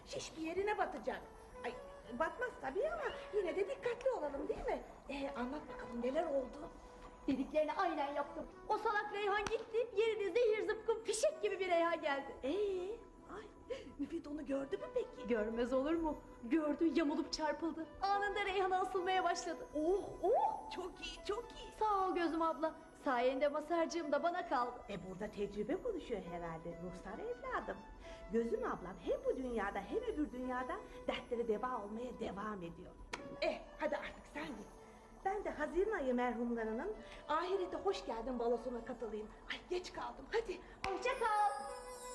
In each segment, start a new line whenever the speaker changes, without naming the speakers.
Şiş bir yerine batacak. Ay, batmaz tabii ama yine de dikkatli olalım değil mi? Anlat bakalım neler oldu?
Dediklerini aynen yaptım. O salak Reyhan gitti, yerine zehir zıpkın fişek gibi bir Reyhan geldi.
Ay, Müfit onu gördü mü peki?
Görmez olur mu? Gördü, yamulup çarpıldı. Anında Reyhan'a asılmaya başladı.
Oh, çok iyi, çok iyi.
Sağ ol gözüm abla. Sayende masarcığım da bana kaldı.
Burada tecrübe konuşuyor herhalde Ruhsar evladım. Gözüm ablam hem bu dünyada hem öbür dünyada dertleri deva olmaya devam ediyor. Hadi artık sen git. Ben de Haziran ayı merhumlarının ahirete hoş geldin balosuna katılayım. Ay geç kaldım, hadi.
Hoşça kal.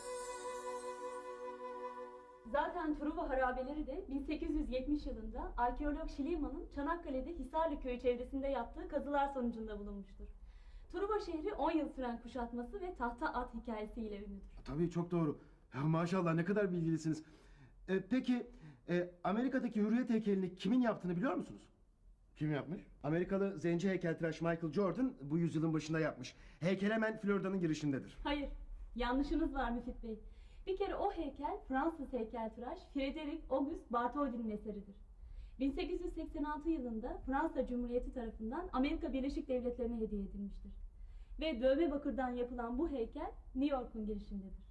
Zaten Truva harabeleri de 1870 yılında arkeolog Schliemann Çanakkale'de Hisarlı köyü çevresinde yaptığı kazılar sonucunda bulunmuştur. Truva şehri 10 yıl süren kuşatması ve tahta at hikayesiyle ünlüdür.
Tabii çok doğru. Ya maşallah ne kadar bilgilisiniz. Peki Amerika'daki Hürriyet heykelini kimin yaptığını biliyor musunuz?
Kim yapmış?
Amerikalı zenci heykeltıraş Michael Jordan bu yüzyılın başında yapmış. Heykel hemen Florida'nın girişindedir.
Hayır, yanlışınız var Müfit Bey. Bir kere o heykel Fransız heykeltıraş Frederic Auguste Bartholdi'nin eseridir. 1886 yılında Fransa Cumhuriyeti tarafından Amerika Birleşik Devletleri'ne hediye edilmiştir. Ve dövme bakırdan yapılan bu heykel New York'un girişindedir.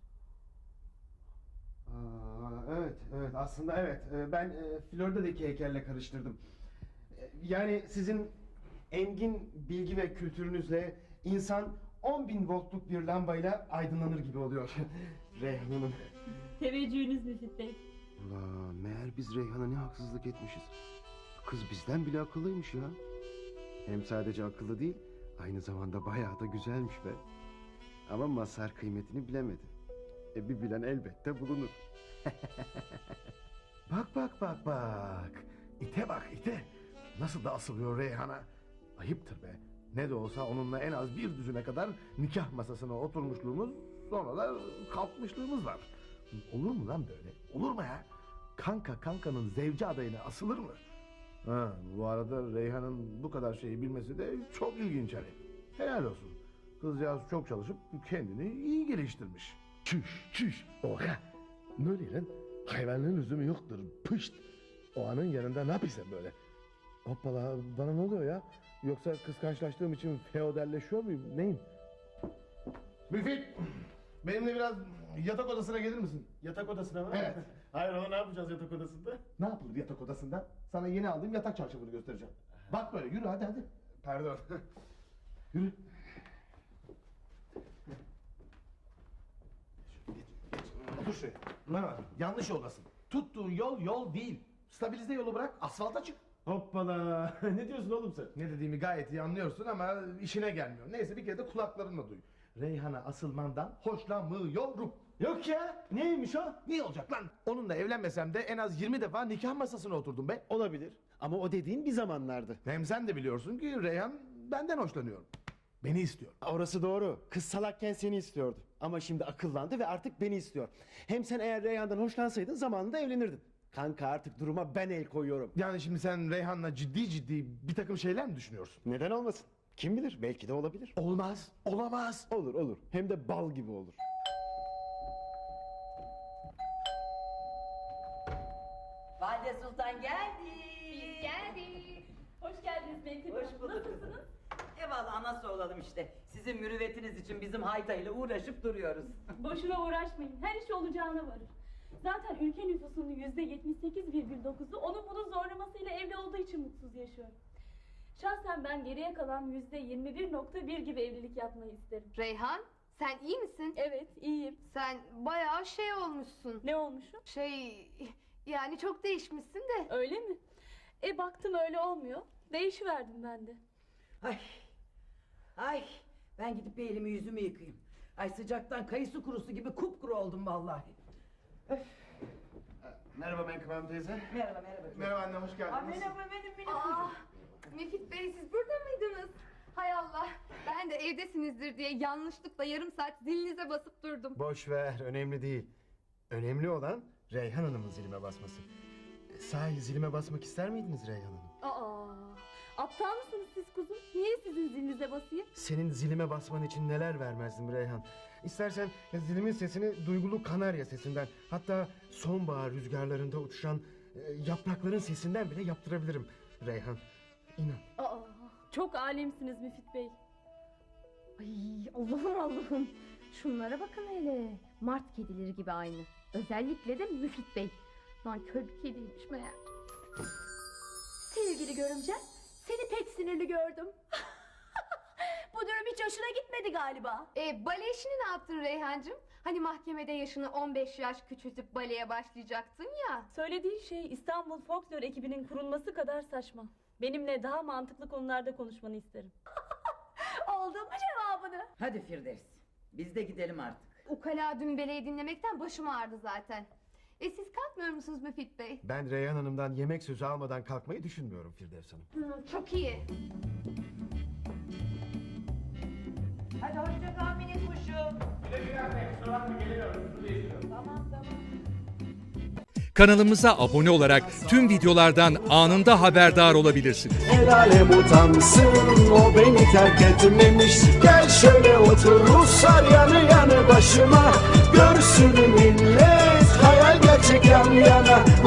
Evet aslında evet. Ben Florida'daki heykelle karıştırdım. Yani sizin engin bilgi ve kültürünüzle insan 10.000 voltluk bir lambayla aydınlanır gibi oluyor. Reyhan Hanım.
Teveccühünüz Müfit Bey.
Ulan meğer biz Reyhan'a ne haksızlık etmişiz. Kız bizden bile akıllıymış ya. Hem sadece akıllı değil, aynı zamanda bayağı da güzelmiş be. Ama Mazhar kıymetini bilemedi. Bir bilen elbette bulunur.
Bak. İte bak ite. Nasıl da asılıyor Reyhan'a. Ayıptır be. Ne de olsa onunla en az bir düzine kadar nikah masasına oturmuşluğumuz, sonra da kalkmışlığımız var. Olur mu lan böyle? Olur mu ya? Kanka kankanın zevci adayına asılır mı? Ha, bu arada Reyhan'ın bu kadar şeyi bilmesi de çok ilginç hani. Helal olsun. Kızcağız çok çalışıp kendini iyi geliştirmiş.
Çüş. Oha. Ne oluyor lan? Hayvanlığın lüzumu yoktur. Pışt. O anın yanında ne yapıyorsun böyle? Hoppala bana ne oluyor ya? Yoksa kıskançlaştığım için feodalleşiyor muyum? Neyim?
Müfit! Benimle biraz yatak odasına gelir misin?
Yatak odasına mı?
Evet.
Hayrola ne yapacağız yatak odasında?
Ne yapılır yatak odasında? Sana yeni aldığım yatak çarşafını göstereceğim. Bak böyle yürü hadi.
Pardon.
Yürü. Otur şuraya. Bana bak, yanlış yoldasın. Tuttuğun yol değil. Stabilize yolu bırak, asfalta çık.
Hoppala. Ne diyorsun oğlum sen?
Ne dediğimi gayet iyi anlıyorsun ama işine gelmiyor. Neyse bir kere de kulaklarınla duy. Reyhan'a asılmandan hoşlanmıyorum.
Yok ya. Neymiş o?
Niye olacak lan? Onunla evlenmesem de en az 20 defa nikah masasına oturdum be.
Olabilir. Ama o dediğin bir zamanlardı.
Hem sen de biliyorsun ki Reyhan benden hoşlanıyor. Beni istiyor.
Orası doğru. Kız salakken seni istiyordu. Ama şimdi akıllandı ve artık beni istiyor. Hem sen eğer Reyhan'dan hoşlansaydın zamanında evlenirdin. Kanka artık duruma ben el koyuyorum.
Yani şimdi sen Reyhan'la ciddi bir takım şeyler mi düşünüyorsun?
Neden olmasın? Kim bilir? Belki de olabilir.
Olmaz, olamaz.
Olur. Hem de bal gibi olur.
Valide Sultan geldi.
Biz geldik. Hoş geldiniz Meltem
Hoş
Hanım.
bulduk
Nasılsınız?
kızım. Eyvallah nasıl olalım işte. Sizin mürüvvetiniz için bizim haytayla uğraşıp duruyoruz.
Boşuna uğraşmayın. Her iş olacağına varır. Zaten ülke nüfusunun %78,9'u onun bunun zorlamasıyla evli olduğu için mutsuz yaşıyor. Şahsen ben geriye kalan %21,1 gibi evlilik yapmayı isterim.
Reyhan, sen iyi misin?
Evet, iyiyim.
Sen bayağı şey olmuşsun.
Ne olmuşum?
Yani çok değişmişsin de.
Öyle mi? Baktım öyle olmuyor. Değişiverdim ben de.
Ay ben gidip bir elimi yüzümü yıkayayım. Ay sıcaktan kayısı kurusu gibi kupkuru oldum vallahi.
Merhaba Menkıbe Hanım teyze.
Merhaba.
Merhaba anne hoş geldiniz.
Merhaba benim
Aa, Müfit Bey siz burada mıydınız? Hay Allah, ben de evdesinizdir diye yanlışlıkla yarım saat zilinize basıp durdum.
Boş ver. Önemli değil. Önemli olan Reyhan Hanım'ın zilime basması. Sahi zilime basmak ister miydiniz Reyhan Hanım?
Aptal mısınız siz kuzum? Niye sizin zilinize basayım?
Senin zilime basman için neler vermezdim Reyhan. İstersen zilimin sesini duygulu kanarya sesinden, hatta sonbahar rüzgarlarında uçuşan yaprakların sesinden bile yaptırabilirim Reyhan. İnan.
Aa, çok alemsiniz Müfit Bey.
Ay Allah'ım. Şunlara bakın hele. Mart kedileri gibi aynı. Özellikle de Müfit Bey. Nankör bir kediymiş meğer. Sevgili görümcem, seni pek sinirli gördüm. Bu durum hiç hoşuna gitmedi galiba.
Bale işini ne yaptın Reyhancığım? Hani mahkemede yaşını 15 yaş küçültüp baleye başlayacaktın ya.
Söylediğin şey İstanbul Folklor ekibinin kurulması kadar saçma. Benimle daha mantıklı konularda konuşmanı isterim.
Aldın mı cevabını?
Hadi Firdevs, biz de gidelim artık.
Ukala dümbeleyi dinlemekten başım ağrıdı zaten. Siz kalkmıyor musunuz Müfit Bey?
Ben Reyhan Hanım'dan yemek sözü almadan kalkmayı düşünmüyorum Firdevs Hanım.
Çok iyi.
Hadi hoşça kal minik kuşum.
Kanalımıza abone olarak tüm videolardan anında haberdar olabilirsiniz.
El alem utansın, o beni terk etmemiş. Gel şöyle otur Ruslar yanı yanı başıma. Görsün millet, hayal gerçek yan yana.